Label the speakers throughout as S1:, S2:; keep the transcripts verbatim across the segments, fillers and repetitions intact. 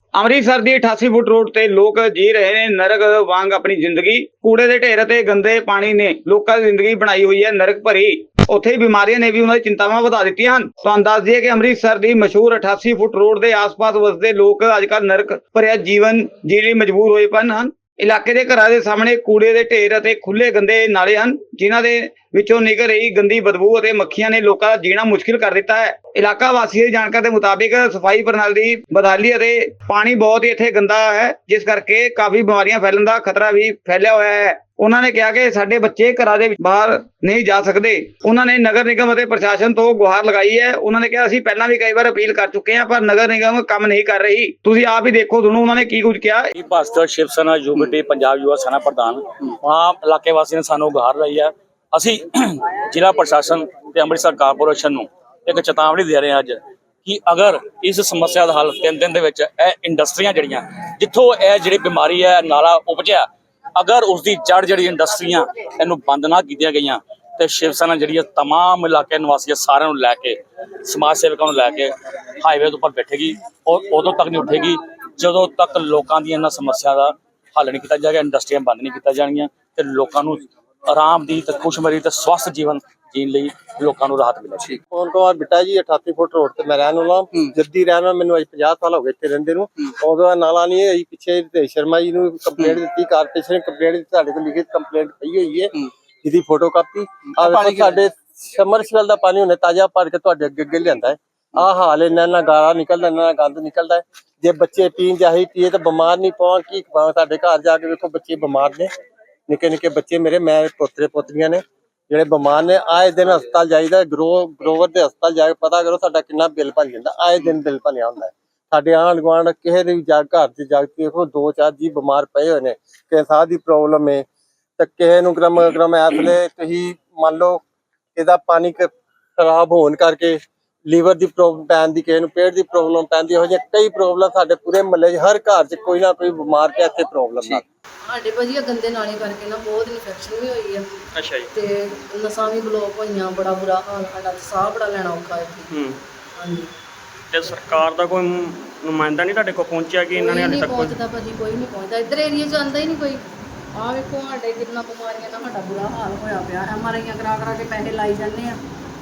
S1: ਅੰਮ੍ਰਿਤਸਰ ਦੀ ਅਠਾਸੀ foot road ਤੇ ਲੋਕ ਜੀ ਰਹੇ ਨੇ ਨਰਕ ਵਾਂਗ ਆਪਣੀ ਜ਼ਿੰਦਗੀ। ਕੂੜੇ ਦੇ ਢੇਰ ਅਤੇ ਗੰਦੇ ਪਾਣੀ ਨੇ ਲੋਕਾਂ ਦੀ ਜ਼ਿੰਦਗੀ ਬਣਾਈ ਹੋਈ ਹੈ ਨਰਕ ਭਰੀ। ਉੱਥੇ ਹੀ ਬਿਮਾਰੀਆਂ ਨੇ ਵੀ ਉਹਨਾਂ ਦੀ ਚਿੰਤਾਵਾਂ ਵਧਾ ਦਿੱਤੀਆਂ ਹਨ। ਤੁਹਾਨੂੰ ਦੱਸ ਦਈਏ ਕਿ ਅੰਮ੍ਰਿਤਸਰ ਦੀ ਮਸ਼ਹੂਰ ਅਠਾਸੀ ਫੁੱਟ ਰੋਡ ਦੇ ਆਸ-ਪਾਸ ਵਸਦੇ ਲੋਕ ਅੱਜਕੱਲ ਨਰਕ ਭਰਿਆ ਜੀਵਨ ਜੀਣ ਲਈ ਮਜਬੂਰ ਹੋਏ ਪਏ ਹਨ। ਇਲਾਕੇ ਦੇ ਘਰਾਂ ਦੇ ਸਾਹਮਣੇ ਕੂੜੇ ਦੇ ਢੇਰ ਅਤੇ ਖੁੱਲੇ ਗੰਦੇ ਨਾਲੇ ਹਨ, ਜਿਨ੍ਹਾਂ ਦੇ ਵਿੱਚੋਂ ਨਿਕਲ ਰਹੀ ਗੰਦੀ ਬਦਬੂ ਅਤੇ ਮੱਖੀਆਂ ਨੇ ਲੋਕਾਂ ਦਾ ਜੀਣਾ ਮੁਸ਼ਕਿਲ ਕਰ ਦਿੱਤਾ ਹੈ। ਇਲਾਕਾ ਵਾਸੀਆਂ ਦੀ ਜਾਣਕਾਰੀ ਦੇ ਮੁਤਾਬਿਕ ਸਫਾਈ ਪ੍ਰਣਾਲੀ ਦੀ ਬਦਹਾਲੀ ਅਤੇ ਪਾਣੀ ਬਹੁਤ ਹੀ ਇੱਥੇ ਗੰਦਾ ਹੈ, ਜਿਸ ਕਰਕੇ ਕਾਫੀ ਬਿਮਾਰੀਆਂ ਫੈਲਣ ਦਾ ਖਤਰਾ ਵੀ ਫੈਲਿਆ ਹੋਇਆ ਹੈ। ਉਹਨਾਂ ਨੇ ਕਿਹਾ ਕਿ ਸਾਡੇ ਬੱਚੇ ਘਰਾਂ ਦੇ ਬਾਹਰ ਨਹੀਂ ਜਾ ਸਕਦੇ। ਉਹਨਾਂ ਨੇ ਨਗਰ ਨਿਗਮ ਅਤੇ ਪ੍ਰਸ਼ਾਸਨ ਤੋਂ ਗੁਹਾਰ ਲਗਾਈ ਹੈ। ਉਹਨਾਂ ਨੇ ਕਿਹਾ ਅਸੀਂ ਪਹਿਲਾਂ ਵੀ ਕਈ ਵਾਰ ਅਪੀਲ ਕਰ ਚੁੱਕੇ ਹਾਂ, ਪਰ ਨਗਰ ਨਿਗਮ ਕੰਮ ਨਹੀਂ ਕਰ ਰਹੀ। ਤੁਸੀਂ ਆਪ ਹੀ ਦੇਖੋ, ਤੁਹਾਨੂੰ ਉਹਨਾਂ ਨੇ ਕੀ ਕੁਝ ਕਿਹਾ।
S2: ਭਾਸਕਰ ਸ਼ਿਵ ਸੈਨਾ ਯੂਬੀਟੀ ਪੰਜਾਬ ਯੁਵਾ ਸੈਨਾ ਪ੍ਰਧਾਨ ਵਹਾਂ ਇਲਾਕੇ ਵਾਸੀਆਂ ਨੇ ਸਾਨੂੰ ਗੁਹਾਰ ਲਾਈ ਹੈ। ਅਸੀਂ ਜ਼ਿਲ੍ਹਾ ਪ੍ਰਸ਼ਾਸਨ ਤੇ ਅੰਮ੍ਰਿਤਸਰ ਕਾਰਪੋਰੇਸ਼ਨ ਨੂੰ ਇੱਕ ਚੇਤਾਵਨੀ ਦੇ ਰਹੇ ਹਾਂ ਅੱਜ ਕਿ ਅਗਰ ਇਸ ਸਮੱਸਿਆ ਦਾ ਹੱਲ ਤਿੰਨ ਦਿਨ ਦੇ ਵਿੱਚ ਇਹ ਇੰਡਸਟਰੀਆਂ ਜਿਹੜੀਆਂ ਜਿੱਥੋਂ ਇਹ ਜਿਹੜੀ ਬਿਮਾਰੀ ਹੈ ਨਾਲਾ ਉਪਜਿਆ, ਅਗਰ ਉਸ ਦੀ ਜੜ ਜਿਹੜੀ ਇੰਡਸਟਰੀਆਂ ਇਹਨੂੰ ਬੰਦ ਨਾ ਕੀਤੀਆਂ ਗਈਆਂ ਤੇ ਸ਼ਿਵ ਸੈਨਾ ਜਿਹੜੀ ਹੈ ਤਮਾਮ ਇਲਾਕੇ ਨਿਵਾਸੀਆਂ ਸਾਰਿਆਂ ਨੂੰ ਲੈ ਕੇ ਸਮਾਜ ਸੇਵਕਾਂ ਨੂੰ ਲੈ ਕੇ ਹਾਈਵੇ ਦੇ ਉੱਪਰ ਬੈਠੇਗੀ ਔਰ ਉਦੋਂ ਤੱਕ ਨਹੀਂ ਉੱਠੇਗੀ ਜਦੋਂ ਤੱਕ ਲੋਕਾਂ ਦੀ ਇਹਨਾਂ ਸਮੱਸਿਆ ਦਾ ਹੱਲ ਨਹੀਂ ਕੀਤਾ ਜਾਏਗਾ, ਇੰਡਸਟਰੀਆਂ ਬੰਦ ਨਹੀਂ ਕੀਤੀਆਂ ਜਾਣਗੀਆਂ ਤੇ ਲੋਕਾਂ ਨੂੰ ਆਰਾਮ ਦੀ ਤੇ ਖੁਸ਼ਮਰੀ ਤੇ ਸਵਸਥ ਜੀਵਨ ਜੀਣ ਲਈ ਲੋਕਾਂ ਨੂੰ ਰਾਹਤ ਮਿਲੇਗੀ।
S3: ਪਵਨ ਕੁਮਾਰ ਬਿੱਟਾ ਜੀ ਅਠਾਸੀ ਫੁੱਟ ਰੋਡ ਤੇ ਮੈਂ ਰਹਿਣ ਵਾਲਾ ਜੱਦੀ ਰਹਿਣ ਵਾਲਾ। ਮੈਨੂੰ ਅੱਜ ਪੰਜਾਹ ਸਾਲ ਹੋ ਗਏ ਇੱਥੇ ਰਹਿੰਦੇ ਨੂੰ। ਉਦੋਂ ਨਾਲਾ ਨਹੀਂ ਹੈ। ਪਿੱਛੇ ਰਿਤੇਸ਼ ਸ਼ਰਮਾ ਜੀ ਨੂੰ ਕੰਪਲੇਂਟ ਦਿੱਤੀ, ਕਾਰਪੋਰੇਸ਼ਨ ਨੇ ਕੰਪਲੇਂਟ ਦਿੱਤੀ, ਸਾਡੇ ਕੋਲ ਲਿਖਿਤ ਕੰਪਲੇਂਟ ਪਈ ਹੋਈ ਹੈ ਜਿਹਦੀ ਫੋਟੋ ਕਾਪੀ। ਆ ਵੇਖੋ ਸਾਡੇ ਸਮਰਸੀਬਲ ਦਾ ਪਾਣੀ ਉਹਨੇ ਤਾਜ਼ਾ ਭਰ ਕੇ ਤੁਹਾਡੇ ਅੱਗੇ ਅੱਗੇ ਲਿਆਂਦਾ ਹੈ। ਆਹ ਹਾਲ ਇਹਨਾਂ ਨਾਲ ਗਾਰਾ ਨਿਕਲਦਾ, ਇਹਨਾਂ ਨਾਲ ਗੰਦ ਨਿਕਲਦਾ ਹੈ। ਜੇ ਬੱਚੇ ਪੀਣ ਜਾਹੀ ਪੀਏ ਤਾਂ ਬਿਮਾਰ ਨਹੀਂ ਪਾਉਣ ਕੀ ਖਵਾਵਾਂ। ਸਾਡੇ ਘਰ ਜਾ ਕੇ ਵੇਖੋ ਬੱਚੇ ਬਿਮਾਰ ਨੇ, ਨਿੱਕੇ ਨਿੱਕੇ ਬੱਚੇ ਮੇਰੇ, ਮੈਂ ਪੋਤਰੇ ਪੋਤਰੀਆਂ ਨੇ ਜਿਹੜੇ ਬਿਮਾਰ ਨੇ। ਆਏ ਦਿਨ ਹਸਪਤਾਲ ਜਾਈਦਾ, ਗਰੋ ਗਰੋਵਰ ਦੇ ਹਸਪਤਾਲ ਜਾ ਕੇ ਪਤਾ ਕਰੋ ਸਾਡਾ ਕਿੰਨਾ ਬਿੱਲ ਬਣ ਜਾਂਦਾ। ਆਏ ਦਿਨ ਬਿੱਲ ਬਣਿਆ ਹੁੰਦਾ ਹੈ। ਸਾਡੇ ਆਂਢ ਗੁਆਂਢ ਕਿਸੇ ਦੇ ਵੀ ਜਾ ਘਰ ਚ ਜਾ ਕੇ ਦੇਖੋ ਦੋ ਚਾਰ ਜੀ ਬਿਮਾਰ ਪਏ ਹੋਏ ਨੇ। ਕਿਸੇ ਸਾਹ ਦੀ ਪ੍ਰੋਬਲਮ ਹੈ ਤੇ ਕਿਸੇ ਨੂੰ ਗਰਮ ਗਰਮ ਇਸ ਵੇਲੇ ਤੁਸੀਂ ਮੰਨ ਲਓ ਇਹਦਾ ਪਾਣੀ ਖਰਾਬ ਹੋਣ ਕਰਕੇ ਲੀਵਰ ਦੀ ਪ੍ਰੋਬਲਮ ਪੈਣ ਦੀ, ਕਿਸੇ ਨੂੰ ਪੇਟ ਦੀ ਪ੍ਰੋਬਲਮ ਪੈਂਦੀ, ਇਹੋ ਜਿਹੀਆਂ ਕਈ ਪ੍ਰੋਬਲਮ ਸਾਡੇ ਪੂਰੇ ਮਹੱਲੇ 'ਚ ਹਰ ਘਰ 'ਚ ਕੋਈ ਨਾ ਕੋਈ ਬਿਮਾਰ ਪਿਆ ਇੱਥੇ ਪ੍ਰੋਬਲਮ ਨਾਲ।
S4: ਸਾਡੇ ਵਧੀਆ ਗੰਦੇ ਨਾਲੇ ਕਰਕੇ ਨਾ ਬਹੁਤ ਇਨਫੈਕਸ਼ਨ ਵੀ ਹੋਈ ਆ।
S2: ਅੱਛਾ ਜੀ।
S4: ਤੇ ਨਸਾਂ ਵੀ ਬਲੌਕ ਹੋਈਆਂ, ਬੜਾ ਬੁਰਾ ਹਾਲ ਸਾਡਾ, ਸਾਹ ਬੜਾ ਲੈਣਾ ਔਖਾ ਇੱਥੇ।
S5: ਹੂੰ
S4: ਹਾਂਜੀ।
S5: ਤੇ ਸਰਕਾਰ ਦਾ ਕੋਈ ਨੁਮਾਇੰਦਾ ਨਹੀਂ ਤੁਹਾਡੇ ਕੋਲ ਪਹੁੰਚਿਆ ਕਿ ਇਹਨਾਂ ਨੇ ਹਾਲੇ ਤੱਕ ਕੋਈ
S4: ਪਹੁੰਚਦਾ ਭਾਜੀ, ਕੋਈ ਨਹੀਂ ਪਹੁੰਚਦਾ ਇੱਧਰ ਏਰੀਆ 'ਚ ਆਉਂਦਾ ਹੀ ਨਹੀਂ ਕੋਈ। ਆਹ ਵੇਖੋ ਸਾਡੇ ਕਿੰਨਾ ਬਿਮਾਰੀਆਂ ਦਾ ਸਾਡਾ ਬੁਰਾ ਹਾਲ ਹੋਇਆ ਪਿਆ। ਐਮ ਆਰ ਆਈਆਂ ਕਰਾ ਕਰਾ ਕੇ ਪੈਸੇ ਲਾਈ ਜਾਂਦੇ ਆ।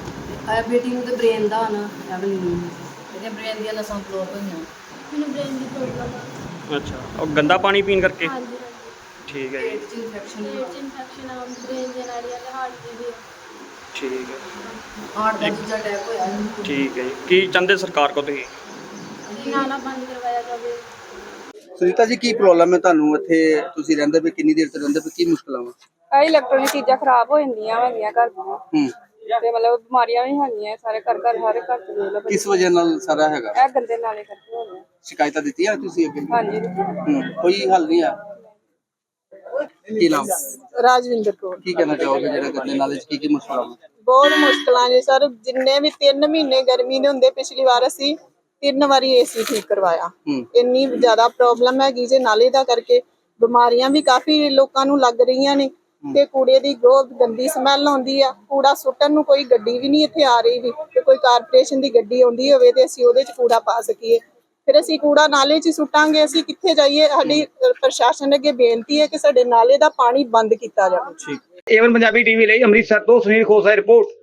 S4: ਆ ਬੇਟੀ ਨੂੰ ਤੇ ਬ੍ਰੇਨ ਦਾ ਨਾ ਐਵਲੀ ਨੂੰ ਇਹਦੇ ਬ੍ਰੇਨ ਦੀਆਂ ਨਸਾਂ ਬਲੌਕ ਹੋਈਆਂ।
S6: ਮੈਨੂੰ ਬ੍ਰੇਨ ਦੀ ਪ੍ਰੋਬਲਮ ਆ।
S5: ਅੱਛਾ, ਉਹ ਗੰਦਾ ਪਾਣੀ ਪੀਣ ਕਰਕੇ?
S6: ਹਾਂਜੀ
S5: ਠੀਕ ਹੈ ਜੀ।
S4: ਪੇਟ 'ਚ ਇਨਫੈਕਸ਼ਨ
S6: ਪੇਟ 'ਚ ਇਨਫੈਕਸ਼ਨ ਆ, ਬ੍ਰੇਨ ਦੀਆਂ ਨਾੜੀਆਂ ਤੇ ਹਾਰਟ ਦੀ ਵੀ ਆ।
S5: ਠੀਕ ਹੈ।
S4: ਹਾਰਟ ਦਾ ਦੂਜਾ ਅਟੈਕ ਹੋਇਆ ਇਹਨੂੰ।
S5: ਠੀਕ ਹੈ ਜੀ। ਕੀ ਚਾਹੁੰਦੇ ਸਰਕਾਰ ਕੋਲ ਤੁਸੀਂ?
S6: ਨਾਲਾ ਬੰਦ ਕਰਵਾਇਆ ਜਾਵੇ।
S7: ਸੁਨੀਤਾ ਜੀ, ਕੀ ਪ੍ਰੋਬਲਮ ਹੈ ਤੁਹਾਨੂੰ ਇੱਥੇ? ਤੁਸੀਂ ਰਹਿੰਦੇ ਪਏ ਕਿੰਨੀ ਦੇਰ ਤੋਂ ਰਹਿੰਦੇ ਪਏ, ਕੀ ਮੁਸ਼ਕਲਾਂ ਵਾ?
S8: ਆ ਇਲੈਕਟ੍ਰੋਨਿਕ ਚੀਜ਼ਾਂ ਖਰਾਬ ਹੋ ਜਾਂਦੀਆਂ ਹੈਗੀਆਂ ਘਰ ਦੀਆਂ
S7: ਹੂੰ
S8: ਤੇ ਮਤਲਬ ਬਿਮਾਰੀਆਂ ਵੀ ਹੈਗੀਆਂ ਸਾਰੇ ਘਰ ਘਰ ਹਰ ਘਰ ਚ ਦੇਖ ਲਓ।
S7: ਕਿਸ ਵਜ੍ਹਾ ਨਾਲ ਸਾਰਾ ਹੈਗਾ?
S8: ਇਹ ਗੰਦੇ ਨਾਲੇ ਕਰਕੇ ਹੋ ਗਿਆ।
S7: ਸ਼ਿਕਾਇਤਾਂ ਦਿੱਤੀਆਂ ਤੁਸੀਂ ਅੱਗੇ?
S8: ਹਾਂਜੀ।
S7: ਹੂੰ ਕੋਈ ਹੱਲ ਨਹੀਂ ਆ? ਕੀ ਨਾਮ?
S8: ਰਾਜਵਿੰਦਰ ਕੌਰ।
S7: ਕੀ ਕਹਿਣਾ ਚਾਹੋਗੇ ਜਿਹੜਾ ਗੰਦੇ ਨਾਲੇ 'ਚ ਕੀ ਕੀ ਮੁਸ਼ਕਲਾਂ ਵਾ?
S8: ਬਹੁਤ ਮੁਸ਼ਕਲਾਂ ਨੇ ਸਰ। ਜਿੰਨੇ ਵੀ ਤਿੰਨ ਮਹੀਨੇ ਗਰਮੀ ਦੇ ਹੁੰਦੇ, ਪਿਛਲੀ ਵਾਰ ਅਸੀਂ ਤਿੰਨ ਵਾਰੀ ਏਸੀ ਠੀਕ ਕਰਵਾਇਆ। ਇੰਨੀ ਜ਼ਿਆਦਾ ਪ੍ਰੋਬਲਮ ਹੈਗੀ ਜੇ ਨਾਲੇ ਦਾ ਕਰਕੇ। ਬਿਮਾਰੀਆਂ ਵੀ ਕਾਫੀ ਲੋਕਾਂ ਨੂੰ ਲੱਗ ਰਹੀਆਂ ਨੇ ਤੇ ਕੂੜੇ ਦੀ ਬਹੁਤ ਗੰਦੀ ਸਮੈਲ ਆਉਂਦੀ ਆ। ਕੂੜਾ ਸੁੱਟਣ ਨੂੰ ਕੋਈ ਗੱਡੀ ਵੀ ਨਹੀਂ ਇੱਥੇ ਆ ਰਹੀ ਵੀ ਤੇ ਕੋਈ ਕਾਰਪੋਰੇਸ਼ਨ ਦੀ ਗੱਡੀ ਆਉਂਦੀ ਹੋਵੇ ਤੇ ਅਸੀਂ ਉਹਦੇ 'ਚ ਕੂੜਾ ਪਾ ਸਕੀਏ। ਫਿਰ ਅਸੀਂ ਕੂੜਾ ਨਾਲੇ 'ਚ ਸੁੱਟਾਂਗੇ, ਅਸੀਂ ਕਿੱਥੇ ਜਾਈਏ? ਸਾਡੀ ਪ੍ਰਸ਼ਾਸਨ ਅੱਗੇ ਬੇਨਤੀ ਹੈ ਕਿ ਸਾਡੇ ਨਾਲੇ ਦਾ ਪਾਣੀ ਬੰਦ ਕੀਤਾ ਜਾਵੇ।
S1: ਏਵਨ ਪੰਜਾਬੀ ਟੀਵੀ ਲਈ ਅੰਮ੍ਰਿਤਸਰ ਤੋਂ ਸੁਨੀਲ ਖੋਸਾ ਦੀ ਰਿਪੋਰਟ।